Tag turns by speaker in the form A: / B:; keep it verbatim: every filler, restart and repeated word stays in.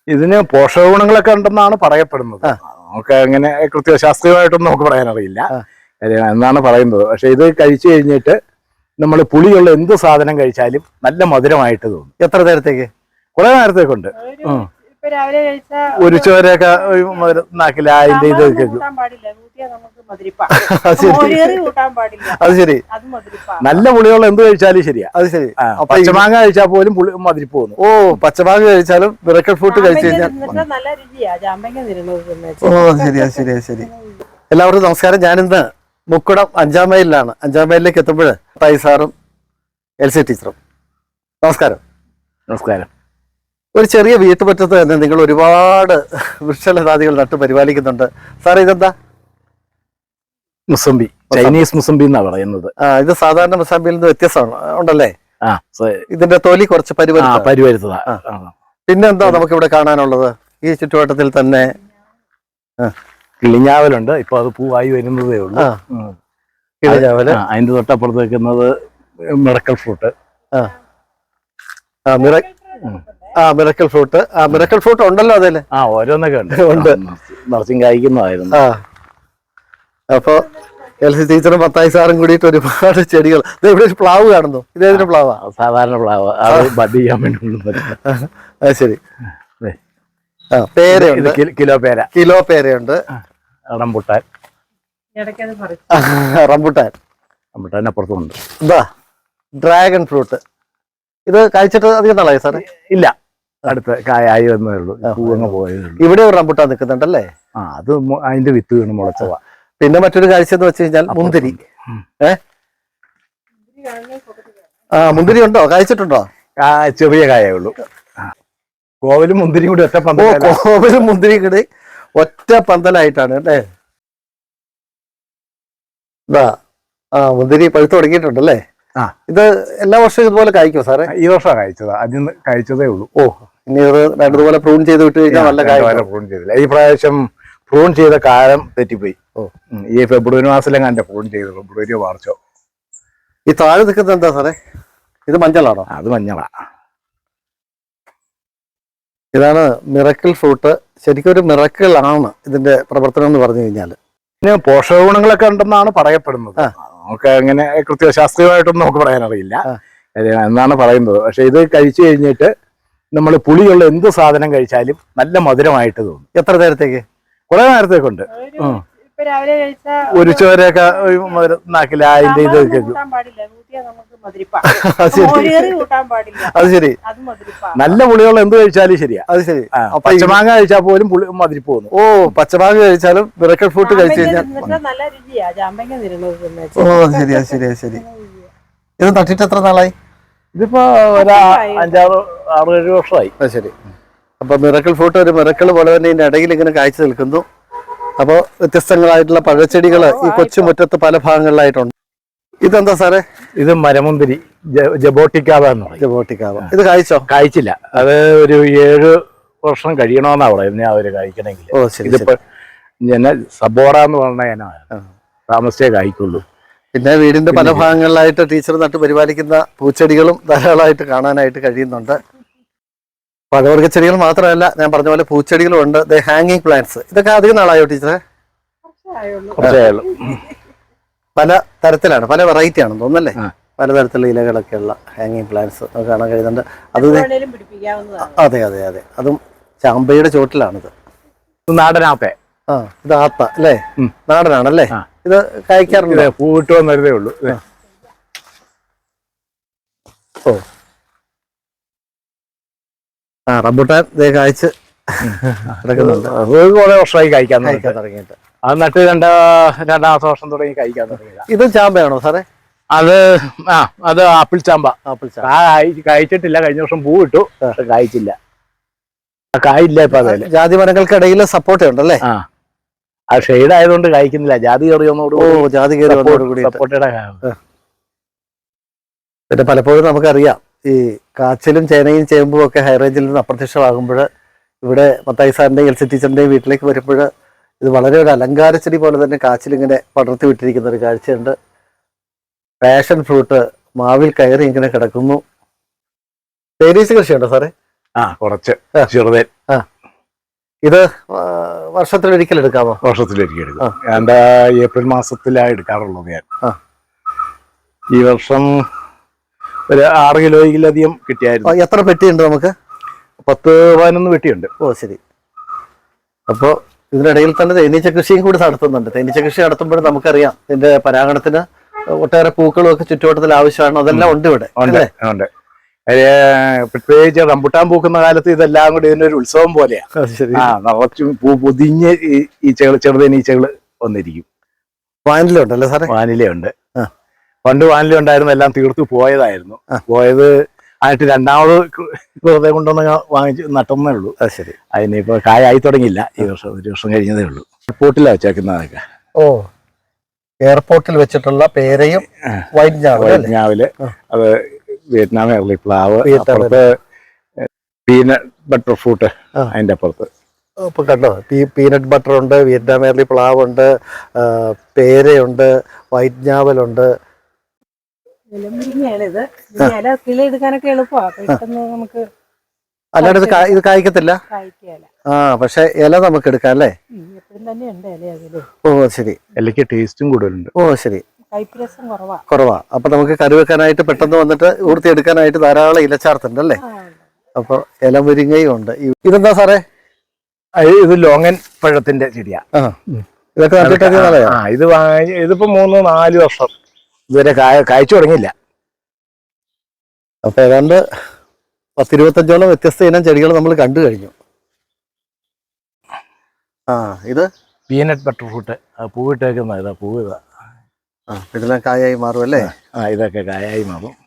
A: ഇതിന് പോഷക ഗുണങ്ങളൊക്കെ ഉണ്ടെന്നാണ് പറയപ്പെടുന്നത്. നമുക്ക് അങ്ങനെ കൃത്യ ശാസ്ത്രീയമായിട്ടൊന്നും നമുക്ക് പറയാനറിയില്ല എന്നാണ് പറയുന്നത്. പക്ഷെ ഇത് കഴിച്ചു കഴിഞ്ഞിട്ട് നമ്മൾ പുളിയുള്ള എന്ത് സാധനം കഴിച്ചാലും നല്ല മധുരമായിട്ട് തോന്നും.
B: എത്ര നേരത്തേക്ക്?
A: കുറെ നേരത്തേക്കുണ്ട്. ഒരു ചോരയൊക്കെ നാക്കില്ല അതിന്റെ ഇത്
B: അത് ശരി.
A: നല്ല പുളിയുള്ള എന്ത് കഴിച്ചാലും ശരിയാ.
B: അത് ശരി.
A: പച്ചമാങ്ങ കഴിച്ചാൽ പോലും പുളി മതിരിപ്പ് പോകുന്നു.
B: ഓ, പച്ചമാങ്ങ കഴിച്ചാലും മിറക്കിൾ ഫ്രൂട്ട് കഴിച്ചു കഴിഞ്ഞാൽ. ഓ ശരിയാ ശരിയാ ശരി. എല്ലാവർക്കും നമസ്കാരം. ഞാനിന്ന് മുക്കുടം അഞ്ചാം മൈലിലാണ്. അഞ്ചാം മൈലിലേക്ക് എത്തുമ്പോൾ തായി സാറും എൽ സി ടീച്ചറും. നമസ്കാരം.
A: നമസ്കാരം.
B: ഒരു ചെറിയ വീട്ടുപറ്റത്ത് തന്നെ നിങ്ങൾ ഒരുപാട് വൃക്ഷലതാദികൾ നട്ട് പരിപാലിക്കുന്നുണ്ട്. സാറേ ഇതെന്താ?
A: മുസംബി, ചൈനീസ് മുസംബി എന്നാ പറയുന്നത്.
B: ആ, ഇത് സാധാരണ മുസംബിയിൽ നിന്ന് വ്യത്യസ്തമാണ് ഉണ്ടല്ലേ? ആ, ഇതിന്റെ തൊലി കുറച്ച്
A: പരിവരുത്തതാ.
B: പിന്നെ എന്താ നമുക്ക് ഇവിടെ കാണാനുള്ളത് ഈ ചുറ്റുവട്ടത്തിൽ തന്നെ?
A: കിളിഞ്ഞാവലുണ്ട്. ഇപ്പൊ അത് പൂവായി വരുന്നതേ ഉള്ളൂ.
B: കിളിഞ്ഞാവല്.
A: അതിന്റെ തൊട്ടപ്പുറത്ത് വെക്കുന്നത് മിറക്കൽ ഫ്രൂട്ട്.
B: ആ മിറ ആ മിറക്കൽ ഫ്രൂട്ട്. ആ മിറക്കൽ ഫ്രൂട്ട് ഉണ്ടല്ലോ അതില്.
A: ആ ഓരോന്നൊക്കെ ഉണ്ട്.
B: ഉണ്ട്.
A: നിറച്ചും കായ്ക്കുന്നതായിരുന്നു.
B: ആ, അപ്പൊ എൽ സി ടീച്ചറും പത്തായി സാറും കൂടിയിട്ട് ഒരുപാട് ചെടികൾ. ഇവിടെ ഒരു പ്ലാവ് കാണുന്നു. ഇതേതിന്റെ പ്ലാവാ?
A: സാധാരണ പ്ലാവ്. അത് ബഡ് ചെയ്യാൻ വേണ്ടി.
B: അത് ശരി. ആ, പേരയുണ്ട്.
A: കിലോ പേര.
B: കിലോ പേരയുണ്ട്.
A: റംബുട്ടാൻ.
B: റംബുട്ടാൻ.
A: റംബുട്ടാൻ അപ്പുറത്തുണ്ട്.
B: ഇതാ ഡ്രാഗൺ ഫ്രൂട്ട്. ഇത് കഴിച്ചിട്ട് അധികം നാളായി സാറേ?
A: ഇല്ല, അടുത്ത് കായായി വന്നേ ഉള്ളൂ. പൂവങ്ങ് പോയതേ.
B: ഇവിടെ ഒരു റംബുട്ടാൻ നിൽക്കുന്നുണ്ടല്ലേ?
A: ആ, അത് അതിന്റെ വിത്ത് വീണ് മുളച്ചതാ.
B: പിന്നെ മറ്റൊരു കാഴ്ച എന്ന് വെച്ച് കഴിഞ്ഞാൽ മുന്തിരി. ഏ ആ, മുന്തിരി ഉണ്ടോ? കഴിച്ചിട്ടുണ്ടോ?
A: ചെറിയ കായേ ഉള്ളൂ. കോവലും മുന്തിരിയും കൂടി ഒറ്റ പന്തൽ.
B: കോവലും മുന്തിരിയും കൂടി ഒറ്റ പന്തലായിട്ടാണ് അല്ലേ? ഇതാ ആ മുന്തിരി പഴുത്ത് തുടങ്ങിയിട്ടുണ്ടല്ലേ? ആ, ഇത് എല്ലാ വർഷവും ഇതുപോലെ കഴിക്കുമോ സാറേ?
A: ഈ വർഷമാണ് കഴിച്ചത്. അതിന് കഴിച്ചതേ ഉള്ളൂ.
B: ഓ, ഇനി ഇത് രണ്ടുപോലെ പ്രൂൺ ചെയ്ത് വിട്ട് കഴിഞ്ഞാൽ നല്ല കാര്യം.
A: പ്രൂൺ ചെയ്തില്ല ഈ പ്രാവശ്യം. പ്രൂൺ ചെയ്ത കാലം തെറ്റിപ്പോയി. ഓ, ഈ ഫെബ്രുവരി മാസത്തിലെങ്ങാൻ എന്റെ പ്രൂൺ ചെയ്തു. ഫെബ്രുവരിയോ മാർച്ചോ.
B: ഈ താഴെ നിൽക്കുന്നത് എന്താ സാറേ? ഇത് മഞ്ഞളാണോ?
A: അത് മഞ്ഞളാ.
B: ഇതാണ് മിറക്കിൾ ഫ്രൂട്ട്. ശരിക്കും ഒരു മിറക്കിൾ ആണ് ഇതിന്റെ പ്രവർത്തനം എന്ന് പറഞ്ഞു കഴിഞ്ഞാൽ.
A: പിന്നെ പോഷക ഗുണങ്ങളൊക്കെ ഉണ്ടെന്നാണ് പറയപ്പെടുന്നത്. നമുക്ക് അങ്ങനെ കൃത്യ ശാസ്ത്രീയമായിട്ടൊന്നും നമുക്ക് പറയാനറിയില്ല എന്നാണ് പറയുന്നത്. പക്ഷെ ഇത് കഴിച്ചു കഴിഞ്ഞിട്ട് നമ്മൾ പുളിയുള്ള എന്ത് സാധനം കഴിച്ചാലും നല്ല മധുരമായിട്ട് തോന്നും.
B: എത്ര നേരത്തേക്ക്?
A: കുറെ നേരത്തേക്കുണ്ട്. ഒരു ചോരയൊക്കെ നാക്കില്ല അതിന്റെ ഇത്
B: അത് ശരി.
A: നല്ല പുളിയുള്ള എന്ത് കഴിച്ചാലും ശരിയാ.
B: അത് ശരി.
A: പച്ചമാങ്ങ കഴിച്ചാൽ പോലും പുളി മതിരിപ്പ് പോകുന്നു.
B: ഓ, പച്ചമാങ്ങ കഴിച്ചാലും മിറക്കൽ ഫ്രൂട്ട് കഴിച്ചു കഴിഞ്ഞാൽ. ഓ ശരിയാ ശരിയാ ശരി. ഇത് നട്ടിട്ട് എത്ര നാളായി?
A: ഇതിപ്പോ ഒരു അഞ്ചാറ് ആറ് ഏഴ് വർഷമായി.
B: അത് ശരി. അപ്പൊ മിറക്കിൾ ഫ്രൂട്ട് ഒരു മിറക്കിൾ പോലെ തന്നെ ഇതിന്റെ ഇടയിൽ ഇങ്ങനെ കാഴ്ച നിൽക്കുന്നു. അപ്പോൾ വ്യത്യസ്തങ്ങളായിട്ടുള്ള പഴച്ചെടികൾ ഈ കൊച്ചുമുറ്റത്ത് പല ഭാഗങ്ങളിലായിട്ടുണ്ട്. ഇതെന്താ സാറേ?
A: ഇത് മരമുന്തിരി, ജബോട്ടിക്കാവ എന്ന് പറയും.
B: ജബോട്ടിക്കാവ. ഇത് കഴിച്ചോ?
A: കഴിച്ചില്ല. അത് ഒരു ഏഴ് വർഷം കഴിയണമെന്നാ പറയുന്നത് അവര് കഴിക്കണമെങ്കിൽ.
B: ഓ ശരി.
A: ഇതിപ്പോ ഞാൻ സബോറ എന്ന് പറഞ്ഞ ഇനമാണ്. താമസിച്ചേ കഴിക്കുള്ളൂ.
B: പിന്നെ വീടിന്റെ പല ഭാഗങ്ങളിലായിട്ട് ടീച്ചർ നട്ട് പരിപാലിക്കുന്ന പൂച്ചെടികളും ധാരാളമായിട്ട് കാണാനായിട്ട് കഴിയുന്നുണ്ട്. പഴവർഗ്ഗ ചെടികൾ മാത്രമല്ല, ഞാൻ പറഞ്ഞ പോലെ പൂച്ചെടികളും ഉണ്ട്. ദ ഹാങ്ങിങ് പ്ലാന്റ്സ്. ഇതൊക്കെ അധികം നാളായോ ടീച്ചറെ? പല തരത്തിലാണ്, പല വെറൈറ്റി ആണെന്ന് തോന്നുന്നല്ലേ? പലതരത്തിലുള്ള ഇലകളൊക്കെ ഉള്ള ഹാങ്ങിങ് പ്ലാന്റ്സ് നമുക്ക് കാണാൻ കഴിയുന്നുണ്ട്. അത് അതെ അതെ അതെ അതും ചാമ്പയുടെ ചോട്ടിലാണിത്.
A: നാടനാപ്പേ.
B: ആ, ഇത് ആപ്പ അല്ലേ? നാടനാണല്ലേ? ഇത് കഴിക്കാറുണ്ട്.
A: പൂവിട്ട് വന്നതേ ഉള്ളൂ.
B: ഓ, ആ റംബുട്ടാൻ ഇതേ കായ്ച്ച് കിടക്കുന്നുണ്ട്.
A: കുറെ വർഷമായി കഴിക്കാൻ
B: കഴിക്കാൻ തുടങ്ങിയിട്ട്.
A: അത് നട്ട് രണ്ടാ രണ്ടാമത്തെ വർഷം തുടങ്ങി കഴിക്കാൻ തുടങ്ങിയത്.
B: ഇത് ചാമ്പയാണോ സാറേ?
A: അത് ആ അത് ആപ്പിൾ ചാമ്പ.
B: ആപ്പിൾ ചാമ്പ
A: കഴിച്ചിട്ടില്ല. കഴിഞ്ഞ വർഷം പൂ ഇട്ടു, പക്ഷെ കായ്ച്ചില്ല. കായില്ല. ഇപ്പൊ അതല്ലേ
B: ജാതി മരങ്ങൾക്കിടയിൽ സപ്പോർട്ട ഉണ്ടല്ലേ?
A: ആ, ആ ഷെയ്ഡ് ആയതുകൊണ്ട് കഴിക്കുന്നില്ല. ജാതി കയറിയൊന്നോട്.
B: ഓ, ജാതി കയറിയോടുകൂടി
A: സപ്പോർട്ടയുടെ.
B: പിന്നെ പലപ്പോഴും നമുക്കറിയാം ഈ കാച്ചിലും ചേനയും ചേമ്പും ഒക്കെ ഹൈ റേഞ്ചിൽ നിന്ന് അപ്രത്യക്ഷമാകുമ്പോൾ ഇവിടെ മത്തായി സാറിന്റെയും എൽ സി ടീച്ചറിന്റെയും വീട്ടിലേക്ക് വരുമ്പോൾ ഇത് വളരെ ഒരു അലങ്കാര ചെടി പോലെ തന്നെ കാച്ചിലിങ്ങനെ പടർത്തി വിട്ടിരിക്കുന്ന ഒരു കാഴ്ചയുണ്ട്. പാഷൻ ഫ്രൂട്ട് മാവിൽ കയറി ഇങ്ങനെ കിടക്കുന്നു. തേനീച്ച കൃഷിയുണ്ടോ സാറേ?
A: ആ, കുറച്ച് ചെറുതേൻ.
B: ആ, ഇത് ആ, വർഷത്തിലൊരിക്കൽ എടുക്കാമോ?
A: വർഷത്തിലൊരിക്കൽ എടുക്കും. എൻ്റെ ഏപ്രിൽ മാസത്തിലാണ് എടുക്കാറുള്ളത് ഞാൻ.
B: ആ.
A: ഈ വർഷം ഒരു ആറ് കിലോയിലധികം കിട്ടിയായിരുന്നു.
B: ആ, എത്ര പെട്ടിയുണ്ട് നമുക്ക്?
A: പത്ത് പതിനൊന്ന് പെട്ടിയുണ്ട്.
B: ഓ ശരി. അപ്പോൾ ഇതിനിടയിൽ തന്നെ തേനീച്ച കൃഷിയും കൂടി നടത്തുന്നുണ്ട്. തേനീച്ച കൃഷി നടത്തുമ്പോൾ നമുക്കറിയാം ഇതിന്റെ പരാഗണത്തിന് ഒട്ടേറെ പൂക്കളും ഒക്കെ ചുറ്റുവട്ടത്തിൽ ആവശ്യമാണ്. അതെല്ലാം ഉണ്ട് ഇവിടെ.
A: ഉണ്ട് ഉണ്ട് പ്രത്യേകിച്ച് റംബുട്ടാൻ പൂക്കുന്ന കാലത്ത് ഇതെല്ലാം കൂടി ഇതിനൊരു ഉത്സവം പോലെയാണ്. ആ നിറച്ചും പൂ പൊതിഞ്ഞ് ഈ ഈച്ചകൾ ചെറുതേനീച്ചകള് വന്നിരിക്കും.
B: വാനിലുണ്ടല്ലേ സാറേ?
A: വാനിലയുണ്ട്. പണ്ട് വാനില ഉണ്ടായിരുന്നു, എല്ലാം തീർത്തു പോയതായിരുന്നു. പോയത് ആയിട്ട് രണ്ടാമത് വെറുതെ കൊണ്ടുവന്ന് വാങ്ങിച്ച് നട്ടുന്നേ ഉള്ളൂ.
B: അത് ശരി.
A: അതിനിപ്പോ കായായി തുടങ്ങിയില്ല. ഈ വർഷം ഒരു വർഷം കഴിഞ്ഞതേ ഉള്ളൂ. എയർപോർട്ടിലാണ് വെച്ചേക്കുന്നതൊക്കെ.
B: ഓ, എയർപോർട്ടിൽ വെച്ചിട്ടുള്ള പേരയും വൈറ്റ് ഞാവല്.
A: ഞാവല് അത് വിയറ്റ്നാം എർലി പ്ലാവ്, അപ്പുറത്ത് പീനട്ട് ബട്ടർ ഫ്രൂട്ട് അതിന്റെ അപ്പുറത്ത്.
B: ഇപ്പൊ കണ്ടോ, പീനട്ട് ബട്ടർ ഉണ്ട്, വിയറ്റ്നാം എർലി പ്ലാവ് ഉണ്ട്, പേരയുണ്ട്, വൈറ്റ് ഞാവലുണ്ട്.
C: എടുക്കാനൊക്കെ എളുപ്പമാണ്. നമുക്ക്
B: അല്ലാണ്ട് ഇത് ഇത് കായ്ക്കത്തില്ല. ആ, പക്ഷെ ഇല നമുക്ക് എടുക്കാം അല്ലേ? ഓ ശരി.
A: ഇലയ്ക്ക് ടേസ്റ്റും കൂടുതലുണ്ട്.
B: ഓ ശരി.
C: കൈപ്രസം കുറവാ
B: കുറവാ അപ്പൊ നമുക്ക് കറി വെക്കാനായിട്ട് പെട്ടെന്ന് വന്നിട്ട് ഊർത്തി എടുക്കാനായിട്ട് ധാരാളം ഇലച്ചാർത്തുണ്ട് അല്ലേ? അപ്പൊ ഇല മുരിങ്ങയും ഉണ്ട്. ഇതെന്താ സാറേ?
A: ഇത് ലോങ്ങൻ പഴത്തിന്റെ ചെടിയാ.
B: ഇതൊക്കെ നട്ടിട്ട്
A: ആ ഇത് ഇതിപ്പോ മൂന്ന് നാല് വർഷം ഇതുവരെ കായ കായ്ച്ചു തുടങ്ങിയില്ല.
B: അപ്പൊ ഏതാണ്ട് പത്തിരുപത്തഞ്ചോളം വ്യത്യസ്ത ഇനം ചെടികൾ നമ്മൾ കണ്ടു കഴിഞ്ഞു. ആ ഇത്
A: പീനട്ട് ബട്ടർ ഫ്രൂട്ട് പൂവിട്ടേക്കുന്ന ഇതാ. പൂവ് ഇതാ.
B: ആ ഇതെല്ലാം കായായി മാറും അല്ലേ?
A: ആ ഇതൊക്കെ കായായി മാറും.